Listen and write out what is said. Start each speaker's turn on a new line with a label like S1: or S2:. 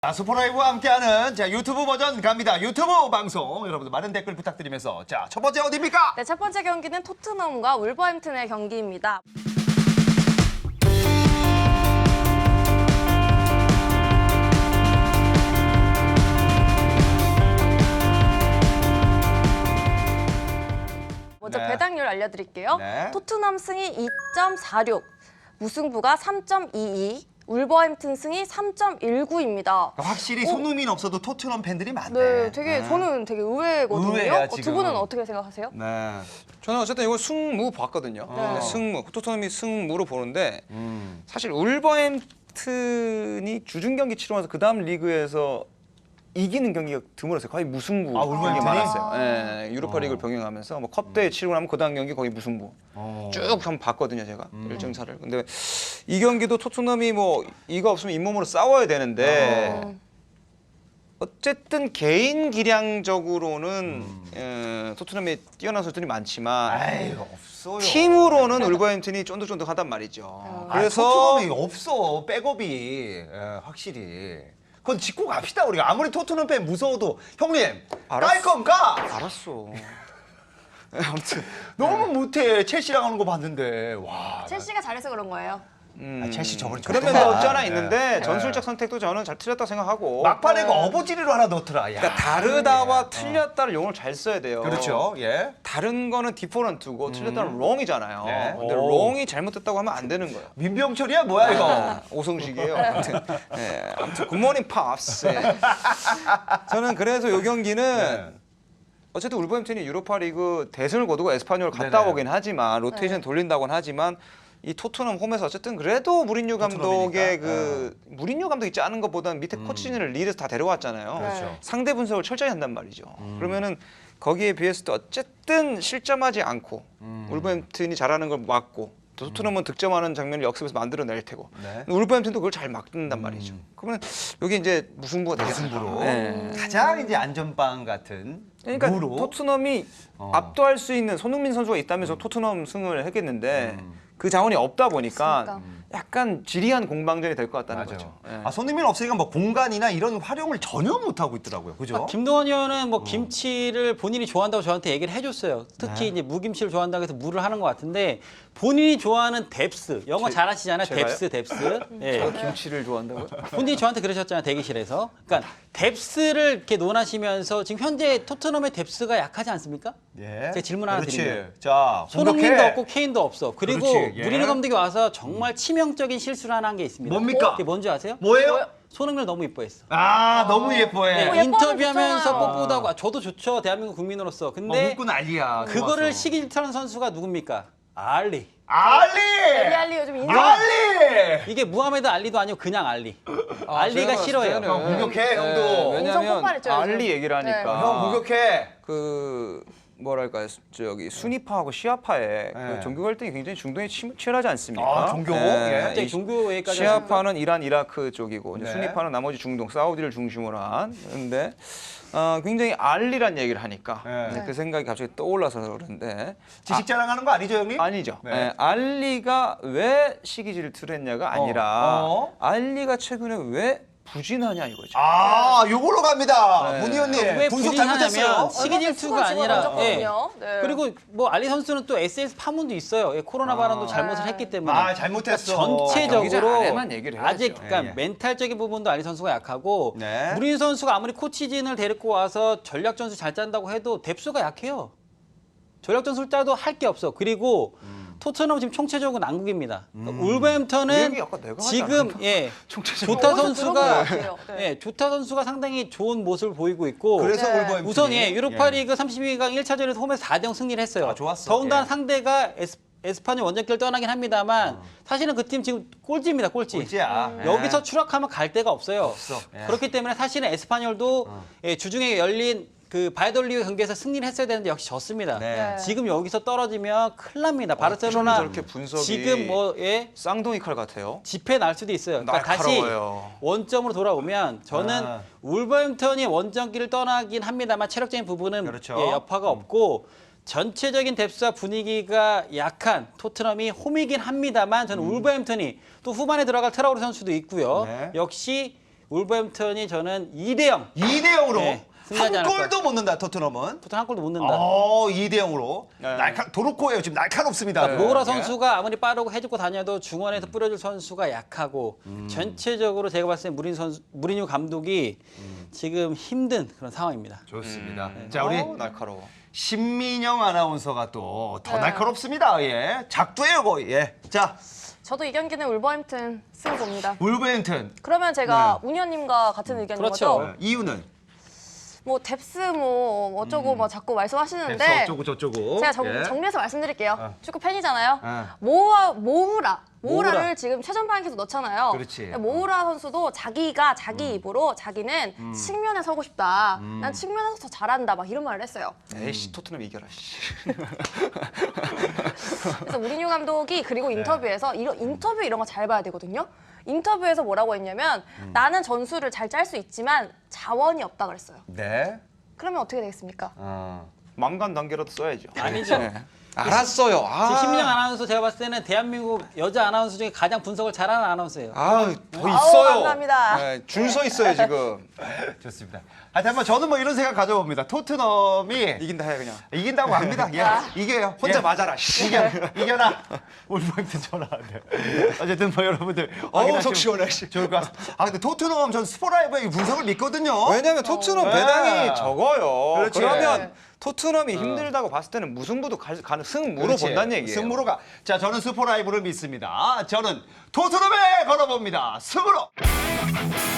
S1: 슈퍼라이브와 함께하는 유튜브 버전 갑니다. 유튜브 방송 여러분들 많은 댓글 부탁드리면서 첫 번째 어디입니까?
S2: 네, 첫 번째 경기는 토트넘과 울버햄튼의 경기입니다. 먼저
S1: 네.
S2: 배당률 알려드릴게요.
S1: 네.
S2: 토트넘 승이 2.46, 무승부가 3.22, 울버햄튼 승이 3.19입니다.
S1: 확실히 손흥민 없어도 토트넘 팬들이 많네.
S2: 네, 저는 되게 의외거든요.
S1: 의외야,
S2: 두
S1: 지금.
S2: 분은 어떻게 생각하세요?
S1: 네.
S3: 저는 어쨌든 이거 승무 봤거든요.
S2: 네.
S3: 승무, 토트넘이 승무로 보는데 사실 울버햄튼이 주중 경기 치르면서 그 다음 리그에서 이기는 경기가 드물었어요. 거의 무승부
S1: 아,
S3: 경기
S1: 울버햄튼이?
S3: 많았어요. 예, 유로파리그를 병행하면서 뭐 컵대회 치르고 나면 그 다음 경기 거의 무승부. 쭉 한번 봤거든요, 제가 일정차를. 근데 이 경기도 토트넘이 뭐 이거 없으면 잇몸으로 싸워야 되는데 어쨌든 개인 기량적으로는 토트넘에 뛰어난 선수들이 많지만
S1: 아이 없어요.
S3: 팀으로는 울버햄튼이 쫀득쫀득하단 말이죠.
S1: 그래서 토트넘이 없어 백업이 확실히. 그건 짚고 갑시다 우리가. 아무리 토트넘 팬 무서워도 형님 깔 건 까.
S3: 알았어. 아무튼
S1: 너무 못해. 첼시랑 하는 거 봤는데 와.
S2: 첼시가 잘해서 그런 거예요.
S1: 첼시 저번에
S3: 그런 면도 없지 않아 있는데 전술적 선택도 저는 잘 틀렸다고 생각하고
S1: 막판에 그 어부지리로 하나 넣더라. 야.
S3: 그러니까 다르다와 틀렸다를 용어를 잘 써야 돼요.
S1: 그렇죠. 예.
S3: 다른 거는 디퍼런트고 틀렸다는 롱이잖아요.
S1: 네.
S3: 근데
S1: 오.
S3: 롱이 잘못됐다고 하면 안 되는 거예요.
S1: 민병철이야 뭐야 이거.
S3: 오성식이에요. 아무튼 굿모닝 팝스. 저는 그래서 이 경기는 어쨌든 울버햄튼이 유로파리그 대승을 거두고 에스파뇰 갔다
S1: 네네.
S3: 오긴 하지만 로테이션 돌린다고는 하지만 이 토트넘 홈에서 어쨌든 그래도 무리뉴 감독의
S1: 토트넘이니까.
S3: 무리뉴 감독이 짜는 것보다는 밑에 코치진을 리드해서 다 데려왔잖아요.
S1: 그렇죠.
S3: 상대 분석을 철저히 한단 말이죠. 그러면은 거기에 비해서도 어쨌든 실점하지 않고 울버햄튼이 잘하는 걸 막고 토트넘은 득점하는 장면을 역습에서 만들어낼 테고
S1: 네.
S3: 울버햄튼도 그걸 잘 막는단 말이죠. 그러면 여기 이제 무승부가 되겠죠.
S1: 무승부로
S3: 네.
S1: 가장 이제 안전빵 같은
S3: 그러니까
S1: 무로.
S3: 토트넘이 압도할 수 있는 손흥민 선수가 있다면서 토트넘 승을 했겠는데 그 자원이 없다 보니까
S2: 없으니까.
S3: 약간 지리한 공방전이 될 것 같다는 거죠. 예.
S1: 아 손흥민 없으니까 뭐 공간이나 이런 활용을 전혀 못 하고 있더라고요. 그죠?
S4: 김동원 의원은 뭐 김치를 본인이 좋아한다고 저한테 얘기를 해줬어요. 특히 이제 무김치를 좋아한다고 해서 무를 하는 것 같은데 본인이 좋아하는 뎁스, 영어 잘하시잖아요.
S3: 제가요?
S4: 뎁스. 예.
S3: 제가 김치를 좋아한다고요?
S4: 본인이 저한테 그러셨잖아요. 대기실에서. 그러니까 뎁스를 이렇게 논하시면서 지금 현재 토트넘의 뎁스가 약하지 않습니까?
S1: 예.
S4: 제가 질문 하나
S1: 그렇지.
S4: 드릴게요.
S1: 자,
S4: 손흥민도
S1: 공격해.
S4: 없고 케인도 없어. 그리고
S1: 그렇지, 예.
S4: 무리뉴 감독이 와서 정말 치명적인 실수를 하나 한 게 있습니다.
S1: 뭡니까?
S4: 그게 뭔지 아세요?
S1: 뭐예요?
S4: 손흥민을 너무 이뻐했어.
S1: 아, 너무 예뻐해.
S4: 네,
S2: 예뻐하면
S4: 인터뷰하면서
S2: 좋잖아요.
S4: 뽀뽀하고 저도 좋죠. 대한민국 국민으로서. 근데
S1: 먹고 난리야.
S4: 그거를
S1: 좋아서.
S4: 시기 질투하는 선수가 누굽니까? 알리.
S1: 알리!
S2: 알리 요즘 인생
S1: 알리!
S4: 이게 무하메드 알리도 아니고 그냥 알리. 알리가
S3: 제가
S4: 싫어해요.
S3: 봤을 때는,
S1: 공격해, 형도.
S2: 인성
S3: 왜냐면
S2: 폭발했죠, 요즘.
S3: 알리 얘기를 하니까
S1: 형 공격해.
S3: 그 뭐랄까요, 저기 순위파하고 시아파의 그 종교 갈등이 굉장히 중동에 치열하지 않습니까?
S1: 아, 종교? 예.
S4: 갑자기 종교 얘기까지
S3: 시아파는 이란, 이라크 쪽이고 이제
S1: 네.
S3: 순위파는 나머지 중동, 사우디를 중심으로 한. 근데 굉장히 알리란 얘기를 하니까
S1: 네.
S3: 이제 그 생각이 갑자기 떠올라서 그러는데
S1: 지식 자랑하는 거 아니죠, 형님?
S3: 아니죠.
S1: 네.
S3: 예, 알리가 왜 시기 질투를 했냐가 아니라
S1: 어.
S3: 알리가 최근에 왜 부진하냐 이거죠.
S1: 아, 요걸로 갑니다.
S3: 네.
S1: 문희 언님.
S4: 왜
S1: 분석 잘못했어요.
S4: 부진하냐면 시기 질투가 아니라
S2: 네.
S4: 그리고 뭐 알리 선수는 또 SS 파문도 있어요. 예, 코로나 발언도 잘못을 했기 때문에
S1: 아, 잘못했어.
S3: 경기장
S4: 전체적으로
S3: 안에만 얘기를 해야죠.
S4: 아직 그러니까
S1: 예.
S4: 멘탈적인 부분도 알리 선수가 약하고
S1: 네.
S4: 무리뉴 선수가 아무리 코치진을 데리고 와서 전략 전술 잘 짠다고 해도 뎁스가 약해요. 전략 전술 짜도 할 게 없어. 그리고 토트넘 지금 총체적으로 난국입니다. 그러니까
S3: 그
S4: 울버햄턴은
S3: 얘기 아까 내가 하지
S4: 지금
S3: 않았나?
S4: 예
S3: 총체적으로.
S4: 조타
S2: 어디서 들은 것
S4: 선수가
S2: 같아요. 네.
S4: 예 조타 선수가 상당히 좋은 모습을 보이고 있고
S1: 그래서
S2: 네.
S1: 울버햄튼이.
S4: 우선 예 유로파리그 32강 1차전에서 홈에서 4대0 승리를 했어요.
S1: 아, 좋았어.
S4: 더군다나
S1: 예.
S4: 상대가 에스파뇰 원정길을 떠나긴 합니다만 사실은 그 팀 지금 꼴찌입니다. 꼴찌.
S1: 꼴찌야. 예.
S4: 여기서 추락하면 갈 데가 없어요.
S1: 없어. 예.
S4: 그렇기 때문에 사실은 에스파뇰도 예, 주중에 열린 그 바이돌리그 경기에서 승리를 했어야 되는데 역시 졌습니다.
S1: 네.
S4: 지금 여기서 떨어지면 큰일 납니다. 바르셀로나
S3: 저렇게 분석이
S4: 지금 뭐 예,
S3: 쌍둥이 칼 같아요.
S4: 집회 날 수도 있어요. 그러니까 다시
S3: 날카로워요.
S4: 원점으로 돌아오면 저는
S1: 아.
S4: 울버햄턴이 원정길을 떠나긴 합니다만 체력적인 부분은
S1: 그렇죠.
S4: 예, 여파가 없고 전체적인 뎁스와 분위기가 약한 토트넘이 홈이긴 합니다만 저는 울버햄턴이 또 후반에 들어갈 트라우르 선수도 있고요.
S1: 네.
S4: 역시 울버햄튼이 저는 2대0.
S1: 2대 0으로
S4: 네, 승리하지
S1: 한
S4: 않을
S1: 골도 못 넣는다 토트넘은.
S4: 토트넘 한 골도 못 넣는다.
S1: 2대 0으로
S3: 네.
S1: 도로코예요. 지금 날카롭습니다.
S4: 모우라
S1: 예.
S4: 선수가 아무리 빠르고 해집고 다녀도 중원에서 뿌려줄 선수가 약하고 전체적으로 제가 봤을 때 무리뉴 감독이 지금 힘든 그런 상황입니다.
S1: 좋습니다. 자 우리
S3: 날카로워.
S1: 신민영 아나운서가 또 더
S2: 네.
S1: 날카롭습니다. 예, 작두예요 거의. 예. 자
S2: 저도 이 경기는 울버햄튼 승 봅니다.
S1: 울버햄튼.
S2: 그러면 제가 운현님과 같은 의견인
S4: 그렇죠.
S2: 거죠?
S1: 이유는
S2: 뭐 뎁스 뭐 어쩌고 뭐 자꾸 말씀하시는데
S1: 뎁스 어쩌고 저쩌고.
S2: 제가
S1: 예.
S2: 정리해서 말씀드릴게요. 축구 팬이잖아요.
S1: 어.
S2: 모우라를
S4: 모우라.
S2: 지금 최전방에 계속 넣잖아요.
S1: 그렇지.
S2: 모우라 선수도 자기가 자기 입으로 자기는 측면에 서고 싶다. 난 측면에서 더 잘한다. 막 이런 말을 했어요.
S3: 에이씨 토트넘 이겨라. 씨.
S2: 그래서 무리뉴 감독이 그리고 인터뷰에서 인터뷰 이런 거 잘 봐야 되거든요. 인터뷰에서 뭐라고 했냐면 나는 전술을 잘 짤 수 있지만 자원이 없다 그랬어요.
S1: 네.
S2: 그러면 어떻게 되겠습니까?
S3: 망간 단계라도 써야죠.
S4: 아니죠.
S3: 네. 알았어요.
S4: 지금 신민영 아나운서 제가 봤을 때는 대한민국 여자 아나운서 중에 가장 분석을 잘하는 아나운서예요.
S3: 더
S2: 아우,
S3: 있어요.
S2: 감사합니다.
S3: 네, 줄 서 있어요 지금.
S1: 좋습니다. 하여튼 한번 저는 뭐 이런 생각 가져봅니다. 토트넘이
S3: 이긴다 해 그냥.
S1: 이긴다고 합니다. 예. 이겨요.
S3: 혼자
S1: 예.
S3: 맞아라. 씨.
S1: 이겨라. 울버햄튼 전화 안 돼요. 어쨌든 뭐 여러분들
S3: 어우
S1: 확인하시면
S3: 속 시원해. 씨.
S1: 좋을 것 같습니다. 근데 토트넘 전 스포라이브의 분석을 믿거든요.
S3: 왜냐면 토트넘
S1: 네.
S3: 배당이 적어요.
S1: 그렇지.
S3: 그러면 토트넘이 힘들다고 봤을 때는 무승부도 가는 승무로
S1: 그렇지.
S3: 본다는 얘기예요.
S1: 승무로가. 자, 저는 스포라이브를 믿습니다. 저는 토트넘에 걸어봅니다. 승으로.